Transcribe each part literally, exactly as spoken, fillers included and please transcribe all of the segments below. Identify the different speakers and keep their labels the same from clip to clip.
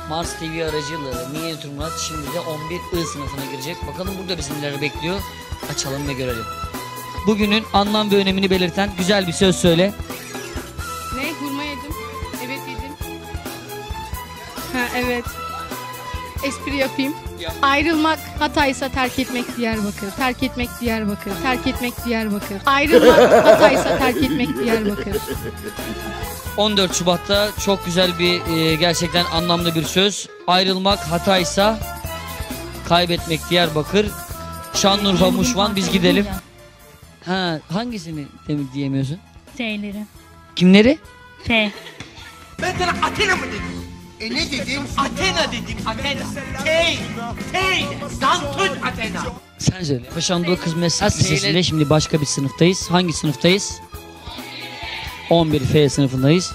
Speaker 1: Mars T V aracılığıyla Minyatür Murat şimdi de on bir I sınıfına girecek. Bakalım burada bizi neler bekliyor. Açalım ve görelim. Bugünün anlam ve önemini belirten güzel bir söz söyle.
Speaker 2: Ne? Hurma yedim. Evet yedim. Ha evet. Espri yapayım.
Speaker 1: Yap.
Speaker 2: Ayrılmak Hatay'sa terk etmek Diyarbakır. Terk etmek Diyarbakır. Terk etmek Diyarbakır. Ayrılmak Hatay'sa terk etmek Diyarbakır.
Speaker 1: on dört Şubat'ta çok güzel bir e, gerçekten anlamlı bir söz. Ayrılmak Hatay'sa kaybetmek Diyarbakır. Şanlıurfa Muşvan biz gidelim. Ha hangisini demin diyemiyorsun?
Speaker 3: T'leri.
Speaker 1: Kimleri?
Speaker 3: T.
Speaker 4: Ben sana Athena mı dedim? E ne dedim? Athena dedim, Athena. Tey, tey, Dantun Athena.
Speaker 1: Sen söyle. Paşa Anadolu Kız Meslek Lisesi'nde şimdi başka bir sınıftayız. Hangi sınıftayız? on bir F sınıfındayız.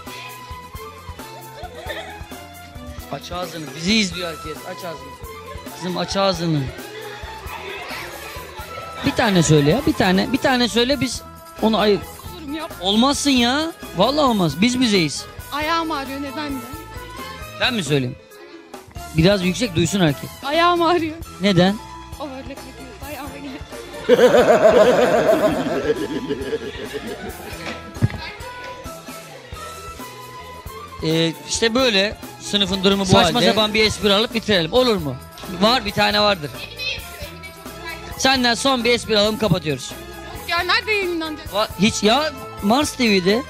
Speaker 1: Aç ağzını. Bizi izliyor herkes. Aç ağzını. Kızım aç ağzını. Bir tane söyle ya. Bir tane. Bir tane söyle biz onu ayır.
Speaker 2: Olurum yap.
Speaker 1: Olmazsın ya. Vallahi olmaz. Biz bizeyiz.
Speaker 2: Ayağım ağrıyor neden de?
Speaker 1: Ben mi söyleyeyim? Biraz yüksek duysun herkes.
Speaker 2: Ayağım ağrıyor.
Speaker 1: Neden?
Speaker 2: O böyle kalkıyor. Ayağıma gel.
Speaker 1: Ee, işte böyle sınıfın durumu bu Saçma halde. Sapan bir espri alıp bitirelim. Olur mu? Var bir tane vardır. Senden son bir espri alalım kapatıyoruz.
Speaker 2: Ya nerede yayınlanacak?
Speaker 1: Va- Hiç ya Mars T V'de.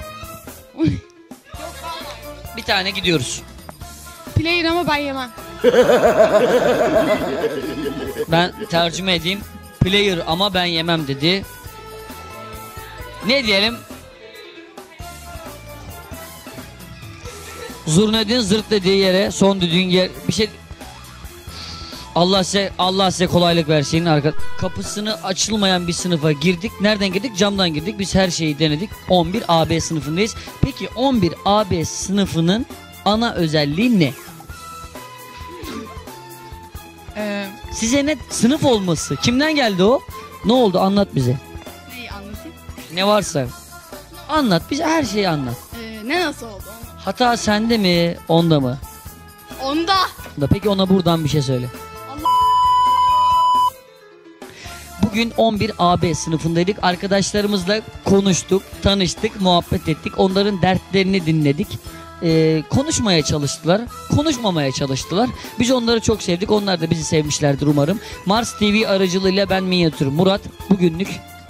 Speaker 1: Bir tane gidiyoruz.
Speaker 2: Player ama ben yemem.
Speaker 1: Ben tercüme edeyim. Player ama ben yemem dedi. Ne diyelim? Zurnedin zırt dediği yere son düdüğün yer bir şey. Allah size Allah size kolaylık versin arka. Kapısını açılmayan bir sınıfa girdik. Nereden girdik? Camdan girdik. Biz her şeyi denedik. on bir A B sınıfındayız. Peki on bir A B sınıfının ana özelliği ne?
Speaker 2: Ee,
Speaker 1: Size ne sınıf olması? Kimden geldi o? Ne oldu? Anlat bize.
Speaker 2: neyi anlatayım?
Speaker 1: Ne varsa. Anlat. Bize her şeyi anlat.
Speaker 2: Ee, ne nasıl oldu?
Speaker 1: Hata sende mi? Onda mı?
Speaker 2: Onda.
Speaker 1: Da peki ona buradan bir şey söyle. Bugün on bir A B sınıfındaydık. Arkadaşlarımızla konuştuk, tanıştık, muhabbet ettik. Onların dertlerini dinledik. Ee, konuşmaya çalıştılar, konuşmamaya çalıştılar. Biz onları çok sevdik. Onlar da bizi sevmişlerdir umarım. Mars T V aracılığıyla ben Minyatür Murat. Bugünlük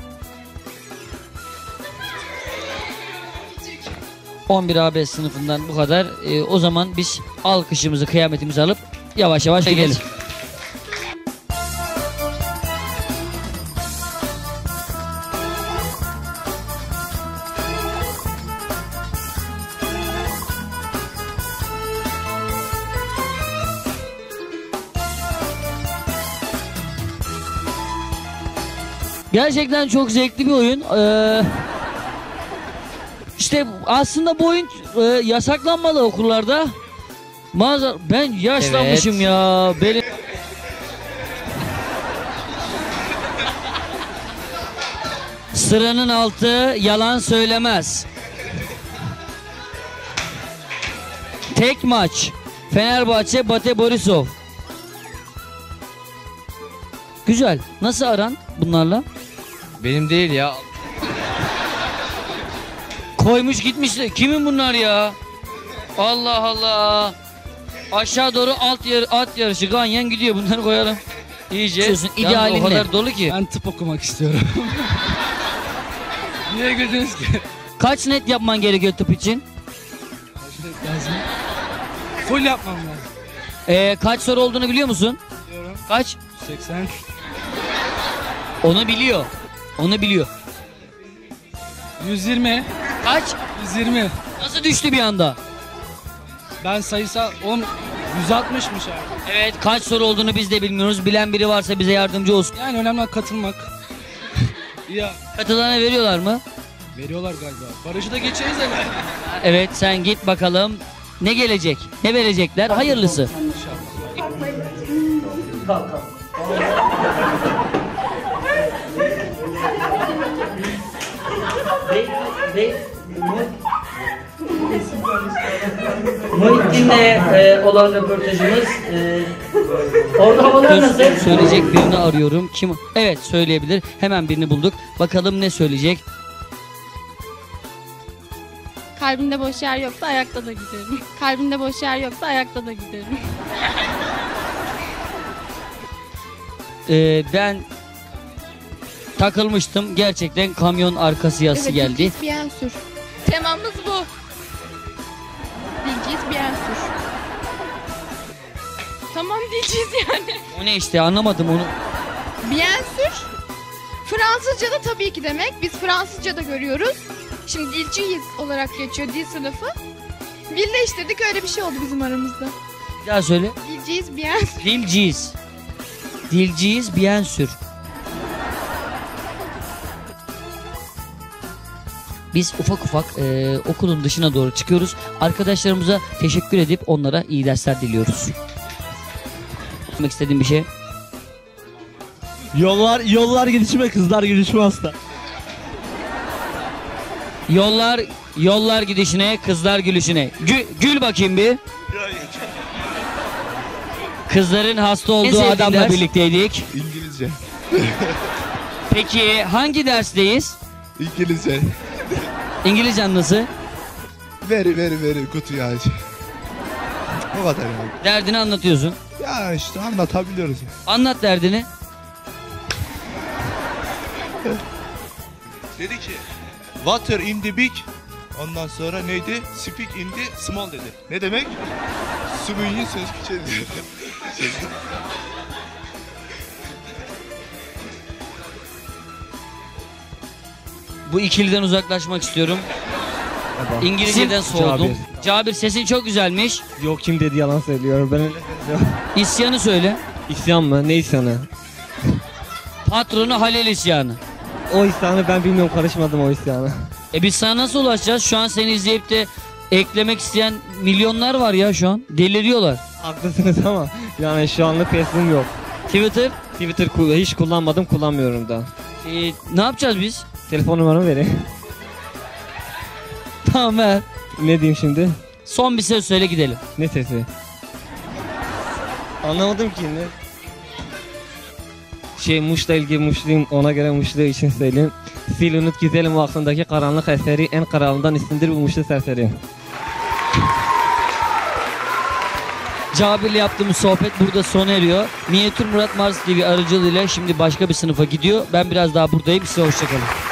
Speaker 1: on bir A B sınıfından bu kadar. Ee, o zaman biz alkışımızı, kıyametimizi alıp yavaş yavaş gidelim. Gerçekten çok zevkli bir oyun. Ee, işte aslında bu oyun e, yasaklanmalı okullarda. Mazar ben yaşlanmışım evet. Ya. Benim sıranın altı yalan söylemez. Tek maç. Fenerbahçe Bate Borisov. Güzel. Nasıl aran bunlarla?
Speaker 5: Benim değil ya.
Speaker 1: Koymuş gitmiş. Kimin bunlar ya? Allah Allah. Aşağı doğru alt yer, at yarışı ganyan gidiyor. Bunları koyalım. İyice. İdealin o kadar ne? Dolu ki.
Speaker 5: Ben tıp okumak istiyorum. Niye güldünüz ki?
Speaker 1: Kaç net yapman gerekiyor tıp için?
Speaker 5: Kaç net lazım? Full yapmam lazım.
Speaker 1: Ee, kaç soru olduğunu biliyor musun?
Speaker 5: Biliyorum.
Speaker 1: Kaç?
Speaker 5: seksen.
Speaker 1: Onu biliyor. Onu biliyor.
Speaker 5: yüz yirmi.
Speaker 1: Kaç?
Speaker 5: yüz yirmi.
Speaker 1: Nasıl düştü bir anda?
Speaker 5: Ben sayısal on yüz altmışmış abi.
Speaker 1: Evet, kaç soru olduğunu biz de bilmiyoruz. Bilen biri varsa bize yardımcı olsun.
Speaker 5: Yani önemli olan katılmak. Ya.
Speaker 1: Katılana veriyorlar mı?
Speaker 5: Veriyorlar galiba. Barajı da geçeriz herhalde.
Speaker 1: Evet, sen git bakalım. Ne gelecek? Ne verecekler? Hayırlısı. Muhittin'le e, olan röportajımız. E, orada havalar nasıl? Söyleyecek birini arıyorum. Kim? Evet, söyleyebilir. Hemen birini bulduk. Bakalım ne söyleyecek?
Speaker 2: Kalbimde boş yer yoksa ayakta da giderim. Kalbimde boş yer yoksa ayakta da giderim.
Speaker 1: E, ben takılmıştım. Gerçekten kamyon arkası yazısı
Speaker 2: Evet,
Speaker 1: geldi.
Speaker 2: Dilciz bien sür. Temamız bu. Dilciz bien sür. Tamam dilciz yani.
Speaker 1: O ne işte, anlamadım onu.
Speaker 2: Bien sür. Fransızca da tabii ki demek. Biz Fransızca da görüyoruz. Şimdi dilciyiz olarak geçiyor dil sınıfı. Birleştirdik, öyle bir şey oldu bizim aramızda.
Speaker 1: Bir daha söyle.
Speaker 2: Dilciyiz bien sür.
Speaker 1: Dilciyiz. Dilciyiz bien sür. Biz ufak ufak e, okulun dışına doğru çıkıyoruz. Arkadaşlarımıza teşekkür edip onlara iyi dersler diliyoruz. Demek istediğim bir şey.
Speaker 3: Yollar yollar gidişime, kızlar gidişime hasta.
Speaker 1: Yollar yollar gidişine, kızlar gülüşüne. Gül, gül bakayım bir. Kızların hasta olduğu
Speaker 6: sevdiğin
Speaker 1: adamla
Speaker 6: ders?
Speaker 1: birlikteydik.
Speaker 7: İngilizce.
Speaker 1: Peki hangi dersteyiz?
Speaker 7: İngilizce.
Speaker 1: İngilizcen nasıl?
Speaker 7: Very very very good ya. O kadar yani.
Speaker 1: Derdini anlatıyorsun.
Speaker 7: Ya işte anlatabiliyoruz.
Speaker 1: Anlat derdini.
Speaker 7: Dedi ki water in the big. Ondan sonra neydi? Speak in the small dedi. Ne demek? Sümüğün söz küçüğü.
Speaker 1: Bu ikiliden uzaklaşmak istiyorum. İngilizceden soğudum.
Speaker 3: Cabir.
Speaker 1: Cabir, sesin çok güzelmiş.
Speaker 3: Yok, kim dedi, yalan söylüyorum. Ben öyle söylüyorum.
Speaker 1: İsyanı söyle.
Speaker 3: İsyan mı? Ne isyanı?
Speaker 1: Patronu Halil isyanı.
Speaker 3: O isyanı ben bilmiyorum, karışmadım o isyana.
Speaker 1: E biz sana nasıl ulaşacağız? Şu an seni izleyip de eklemek isteyen milyonlar var ya şu an. Deliriyorlar.
Speaker 3: Haklısınız ama yani şu anlık Facebook'um yok.
Speaker 1: Twitter.
Speaker 3: Twitter ku- hiç kullanmadım, kullanmıyorum da.
Speaker 1: E, ne yapacağız biz?
Speaker 3: Telefon numaramı vereyim.
Speaker 1: Tamam ver.
Speaker 3: Ne diyeyim şimdi?
Speaker 1: Son bir söz söyle gidelim.
Speaker 3: Ne sesi? Anlamadım ki ne? Şey, Muş'la ilgili Muşluyum, ona göre Muşlu için söyleyeyim. Sil unut güzelim vaktindeki karanlık eseri, en karanlığından üstündür bu Muşlu serseri.
Speaker 1: Cabir'le yaptığımız sohbet burada sona eriyor. Minyatür Murat Mars T V aracılığıyla şimdi başka bir sınıfa gidiyor. Ben biraz daha buradayım. Size hoşçakalın.